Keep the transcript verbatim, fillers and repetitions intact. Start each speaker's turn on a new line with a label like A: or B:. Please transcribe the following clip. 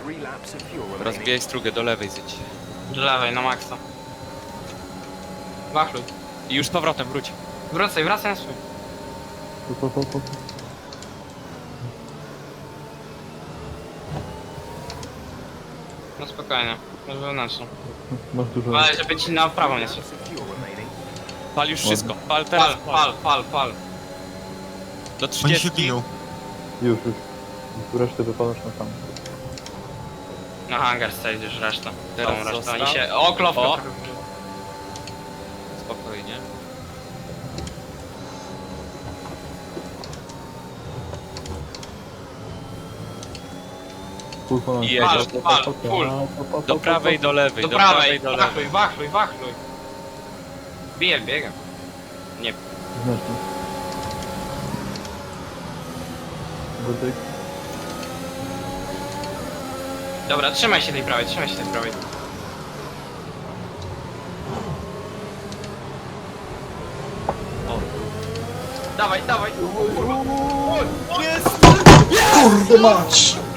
A: Rozbijaj strugę, do lewej zjedź.
B: Do lewej, na maksa. Wachluj.
A: I już z powrotem wróć.
B: Wracaj, wracaj na swój.
C: Po, po, po, po.
B: No spokojnie. Może wewnętrzną.
C: Masz dużo...
B: Ale żeby ci na prawo nie szedł.
A: Pal już wszystko. Pal teraz.
B: Pal, pal, pal, pal.
A: Do
D: Oni się
A: trzydziestu.
D: biją.
C: Już, już. Resztę wypalasz na sam.
B: Na hangar stejdziesz resztę.
A: Teraz
B: Całą resztę.
A: zostaw.
B: Oni się... O, klowka
A: O.
B: trochę.
A: Spokojnie.
C: Full ponad.
A: I jedziesz.
B: Pal, pal, full.
A: Do prawej, do lewej.
B: Do
A: Do
B: prawej,
A: prawej, do
B: wachluj,
A: lewej.
B: wachluj, wachluj. Bije, biega. Nie.
C: Znacznie. Wojtek.
B: Dobra, trzymaj się tej prawej, trzymaj się tej prawej.
A: O.
B: Dawaj, dawaj.
C: Kurde mać!